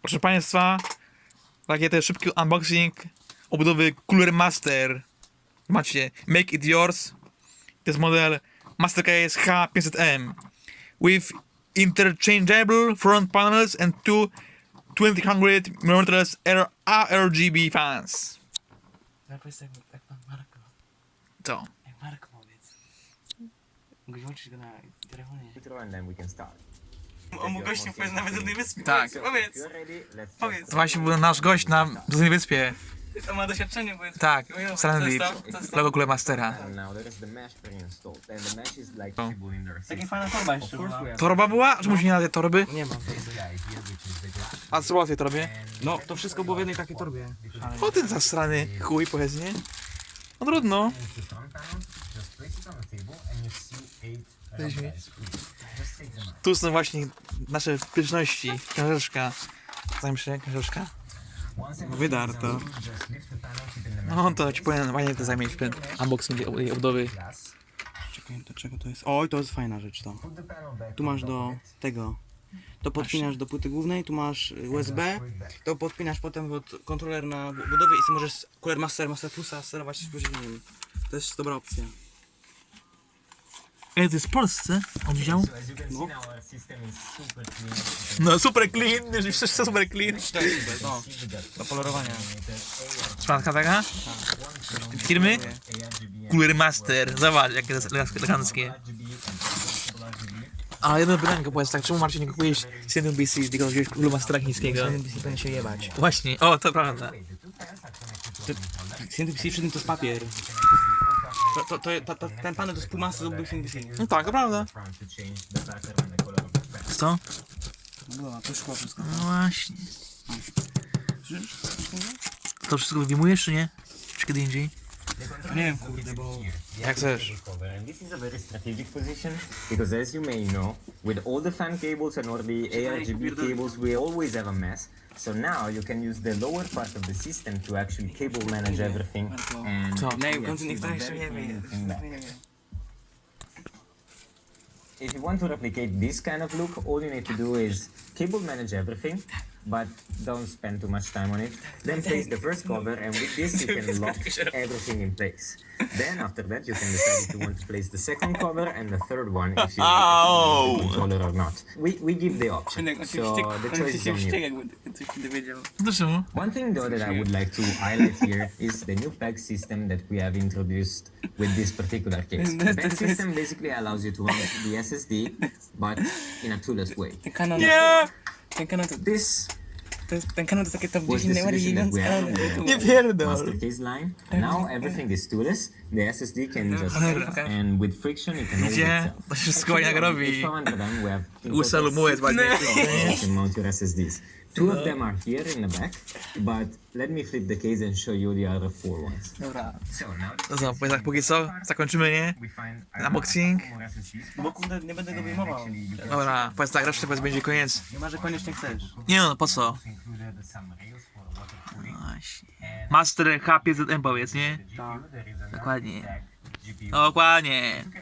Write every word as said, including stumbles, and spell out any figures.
Proszę Państwa, takie też szybki unboxing obudowy Cooler Master. Macie Make It Yours. To jest model Mastercase H pięćset M with interchangeable front panels and two twenty hundred millimeter A R G B fans. Powiedz jak, jak pan Marko. Co? Jak Marko powiedz. Mógłbyś włączyć go na telefonie. And then we can start. On mógł gościem powiedz nawet z jednej wyspy. Tak. Powiedz. You're ready? Let's Powiedz. To właśnie był nasz gość na Dużej Wyspie. On ma doświadczenie, powiedz. Tak, Powiedz, Stanley, co jest to? Co jest to? logo Cooler Mastera. And now there is the mesh pre-installed, and the mesh is like Oh. visible in their Taka system. fajna torba Of jeszcze course była. we have Torba była? Czemu się nie nazywa torby? Nie mam. this guy here, which is the glass. A co było w tej torbie? No, to wszystko było w jednej takiej torbie. O ten zasrany chuj, powiedz, nie? No trudno. And the front panel, just place it on the table, and you see eight rubberized screws. Just take them out. Tu są właśnie nasze pyszności. Książeczka. Znam się, książeczka. Once everything Wydarto. is assembled, just lift the panel, keep in the mesh No to ci powiem, fajnie to zajmie ten unboxing tej tej obudowy. glass. Czekaj, do czego to jest? Oj, to jest fajna rzecz to. Put the panel back Tu on masz top do of it. tego. To podpinasz do płyty głównej, tu masz U S B. To podpinasz potem pod kontroler na bu- budowie i sobie możesz Cooler Master, Master Plusa sterować z nim. To jest dobra opcja. Ej, to jest w Polsce? On widział? So as you can see now, our system is super clean. No super clean, że wszystko super clean. To jest super, no. Do kolorowania. Szklanka taka? Firmy? Cooler Master. Zobacz, jakie to jest eleganckie. A jedno pytanie, powiedz tak, czemu Marcin nie kupujesz Cinnamon B C, tylko wziąłeś Cooler Mastera chińskiego? Powinien się jebać. Właśnie, o, to prawda. C N B C przy tym to jest papier. To, to, to, ta, ta, ten panel to jest półmasy zrobił C N B C. No tak, to prawda. Front to change the pattern and the color of the pen. Co? No, to szkło wszystko. No właśnie. To wszystko wyjmujesz, czy nie? Czy kiedy indziej? Nie wiem, kurde, bo... Jak chcesz. Cover. And this is a very strategic position because, as you may know, with all the fan cables and all the A R G B cables, we always have a mess. So now you can use the lower part of the system to actually cable manage everything. And Co? Nie, we w końcu actually niektóre do jeszcze nie very wie. clean thing back. If you want to replicate this kind of look, all you need to do is cable manage everything, but don't spend too much time on it. Then place the first cover, and with this you can lock everything in place. Then after that you can decide if you want to place the second cover and the third one if you want the controller or not. We, we give the option, so the choice is on you. jakby coś nie wiedział. To czemu? One thing though that I would like to highlight here is the new peg system that we have introduced with this particular case. The peg system basically allows you to run the S S D, but in a toolless way. Ten kanon... Nie! Ten kanon to... This to jest, ten kanon to takie top was dziesięć the najbardziej solution that we idące have kanony. on the pierdol. master case line. Now everything is toolless. The S S D can just sit, and with friction it can hold Gdzie? itself. To się wszystko jak Actually, on robi. H four hundred M we have in Łysa total lumułę six ładnie. places you can mount your S S Ds. Two of them are here in the back, but let me flip the case and show you the other four ones. Dobra. So now To co, powiedz tak, póki co, zakończymy, nie? we find Unboxing. more S S Ds. Bo kurde, nie będę go wyjmował. Dobra, powiedz tak, resztę powiedz będzie koniec. Nie ma, że koniecznie chcesz. Nie no, po co? Included some rails for water cooling. Właśnie. Master H pięćset M powiedz, nie? Tak. There is another Dokładnie. stack G P U. Dokładnie.